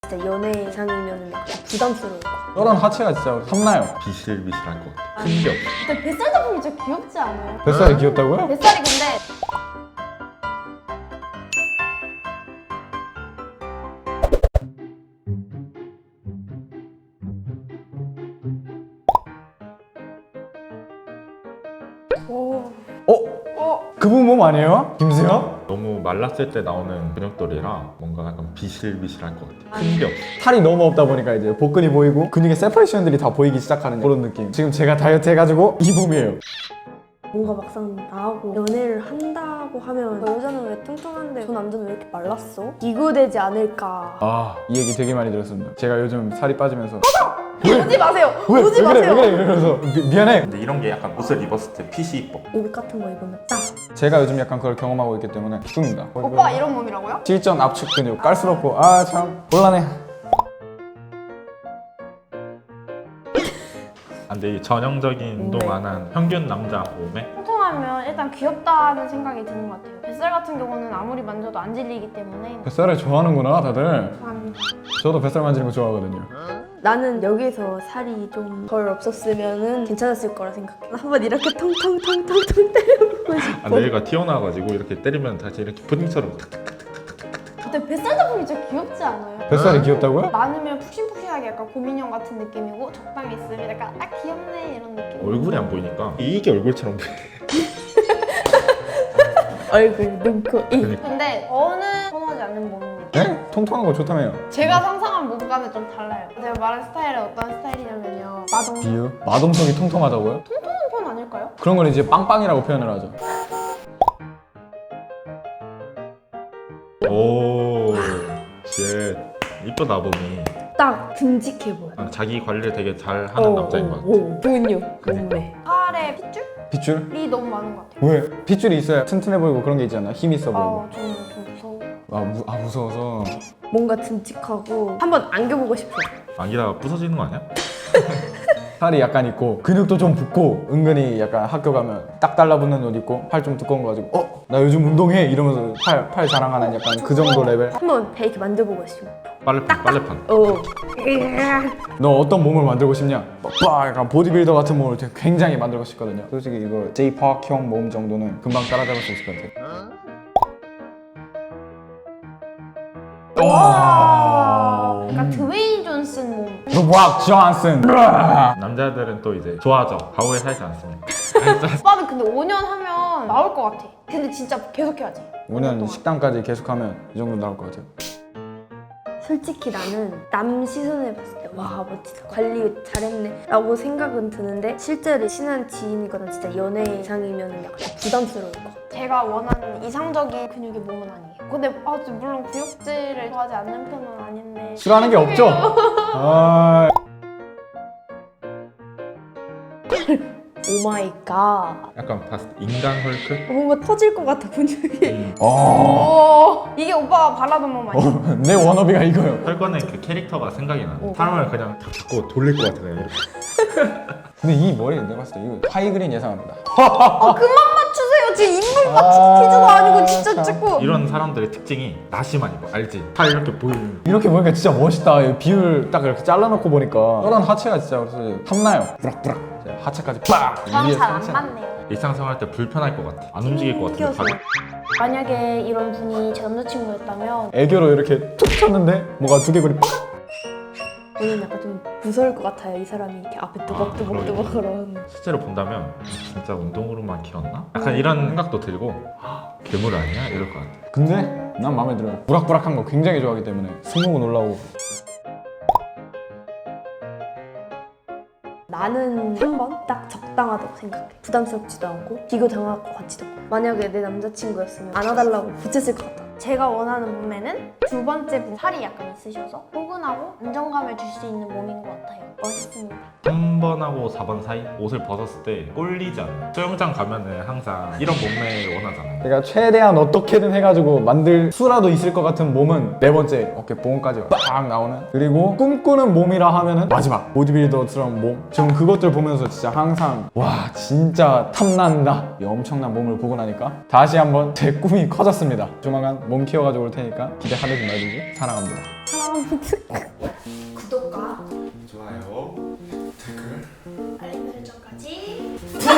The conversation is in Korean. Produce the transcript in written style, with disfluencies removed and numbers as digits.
진짜 연애 이상이면 약간 부담스러울 것 같아. 저런 하체가 진짜 탐나요. 비실비실할 것 같아. 큰 게 없어. 근데 뱃살 잡으면 진짜 귀엽지 않아요? 뱃살이 귀엽다고요? 뱃살이 근데 오. 그분 몸 아니에요? 김수영? 너무 말랐을 때 나오는 근육돌이라 뭔가 약간 비실비실할 것 같아. 큰 게 없어. 살이 너무 없다 보니까 이제 복근이 보이고 근육의 세퍼레이션들이 다 보이기 시작하는 그런 느낌. 지금 제가 다이어트 해가지고 이 몸이에요. 뭔가 막상 나하고 연애를 한다고 하면 저 여자는 왜 뚱뚱한데 저 남자는 왜 이렇게 말랐어? 비교되지 않을까. 아, 이 얘기 되게 많이 들었습니다. 제가 요즘 살이 빠지면서 오지 마세요. 왜 오지 그래 마세요. 왜 그래 이러면서 미안해. 근데 이런 게 약간 옷을 입었을 때 핏이 이뻐. 옷 같은 거 입으면 딱. 제가 요즘 약간 그걸 경험하고 있기 때문에 죽습니다. 오빠 이런 몸이라고요? 실전 압축 근육 깔스럽고 아 참 곤란해. 근데 이 전형적인 운동 안 한 평균 남자 몸에 통통하면 일단 귀엽다는 생각이 드는 것 같아요. 뱃살 같은 경우는 아무리 만져도 안 질리기 때문에 뱃살을 좋아하는구나 다들. 좋아합니다. 저도 뱃살 만지는 거 좋아하거든요. 나는 여기서 살이 좀 덜 없었으면은 괜찮았을 거라 생각해. 한번 이렇게 통통통통통 때려보고 싶어. 뇌가 튀어나와가지고 이렇게 때리면 다시 이렇게 푸딩처럼 탁탁. 근데 뱃살 잡으면 진짜 귀엽지 않아요? 뱃살이 귀엽다고요? 많으면 푹신푹신하게 약간 곰인형 같은 느낌이고 적당히 있으면 약간 아 귀엽네 이런 느낌. 얼굴이 안 보이니까 이게 얼굴처럼 보여. 얼굴, 눈코, 입. 근데 저는 선호하지 않는 몸입니다. 네? 통통한 거 좋다며요. 제가 상상한 몸과는 좀 달라요. 제가 말한 스타일은 어떤 스타일이냐면요. 마동 비유? 마동석이 통통하다고요? 통통한 편 아닐까요? 그런 걸 이제 빵빵이라고 표현을 하죠. 오, 쉣. 이쁘다 몸이. 딱 듬직해 보여. 자기 관리를 되게 잘 하는 남자인 것 같아. 근육, 몸매. 팔에 핏줄이 핏줄? 너무 많은 것 같아요. 왜? 핏줄이 있어야 튼튼해 보이고 그런 게 있잖아. 힘 있어 보이고. 저는 좀 무서워. 무서워서. 뭔가 듬직하고 한번 안겨보고 싶어. 안기다가 부서지는 거 아니야? 살이 약간 있고 근육도 좀 붙고 은근히 약간 학교 가면 딱 달라붙는 옷 입고 팔 좀 두꺼운 거 가지고 나 요즘 운동해 이러면서 팔 자랑하는 약간 그 정도 레벨. 한번 배 이렇게 만져보고 싶어. 빨래판. 너 어떤 몸을 만들고 싶냐? 빡 약간 보디빌더 같은 몸을 되게 굉장히 만들고 싶거든요. 솔직히 이거 J-Park형 몸 정도는 금방 따라잡을 수 있을 것 같아요. 와. 약간 드웨인 존슨 몸. The Rock Johnson. 남자들은 또 이제 좋아져. 가오에 살지 않습니다. 오빠는 근데 5년 하면 나올 것 같아. 근데 진짜 계속 해야지. 5년 식당까지 계속하면 이 정도 나올 것 같아요. 솔직히 나는 남 시선을 봤을 때 와 멋지다 관리 잘했네 라고 생각은 드는데 실제로 친한 지인이거나 진짜 연애 이상이면 약간 부담스러울 것 같아. 제가 원하는 이상적인 근육의 몸은 아니에요. 근데 물론 구역질을 좋아하지 않는 편은 아닌데 싫어하는 게 없죠? 아... 오마이갓. 약간 봤을 때 인간 헐크? 뭔가 터질 것 같아 근육이. 오, 이게 오빠가 바라던 몸 아니야? 내 워너비가 이거요. 헐거는 그 캐릭터가 생각이 나. 사람을 그냥 다 잡고 돌릴 것 같아. 그냥 이렇게. 근데 이 머리 내가 봤을 때 이거 하이그린 예상합니다. 그만 맞추세요. 제 인물 맞추기 퀴즈도 아니고 진짜 찍고. 이런 사람들의 특징이 나시만 입어. 알지? 팔 이렇게 보이는. 이렇게 보니까 진짜 멋있다. 이 비율 딱 이렇게 잘라놓고 보니까 저런 하체가 진짜 그래서 탐나요. 부락부락. 하체까지 빡! 저랑 위에 잘 안 상체. 맞네요. 일상생활 때 불편할 것 같아. 안 움직일 것 같은데. 튕겨서. 만약에 이런 분이 제 남자친구였다면 애교로 이렇게 툭 쳤는데 뭐가 두개골이 빡! 저는 약간 좀 무서울 것 같아요. 이 사람이 이렇게 앞에 뚜벅뚜벅뚜벅 그런. 실제로 본다면 진짜 운동으로만 키웠나? 약간 이런 생각도 들고 헉, 괴물 아니야? 이럴 것 같아. 근데 난 마음에 들어요. 부락부락한 거 굉장히 좋아하기 때문에 승모근 올라오고. 나는 3번 딱 적당하다고 생각해. 부담스럽지도 않고 비교 당할 것 같지도 않고. 만약에 내 남자친구였으면 안아달라고 부채질 것 같아. 제가 원하는 몸매는 두 번째 분 살이 약간 있으셔서 포근하고 안정감을 줄 수 있는 몸인 것 같아요. 멋있습니다. 3번하고 4번 사이 옷을 벗었을 때 꼴리지 않아. 수영장 가면은 항상 이런 몸매를 원하잖아요. 내가 최대한 어떻게든 해가지고 만들 수라도 있을 것 같은 몸은 네 번째 어깨 보험까지 빡 나오는. 그리고 꿈꾸는 몸이라 하면은 마지막 보디빌더스러운 몸. 지금 그것들 보면서 진짜 항상 와 진짜 탐난다. 이 엄청난 몸을 보고 나니까 다시 한번 제 꿈이 커졌습니다. 조만간 몸 키워가지고 올 테니까 기대 하지 말고 사랑합니다. 사랑합니다. 구독과 좋아요 댓글 알림 설정까지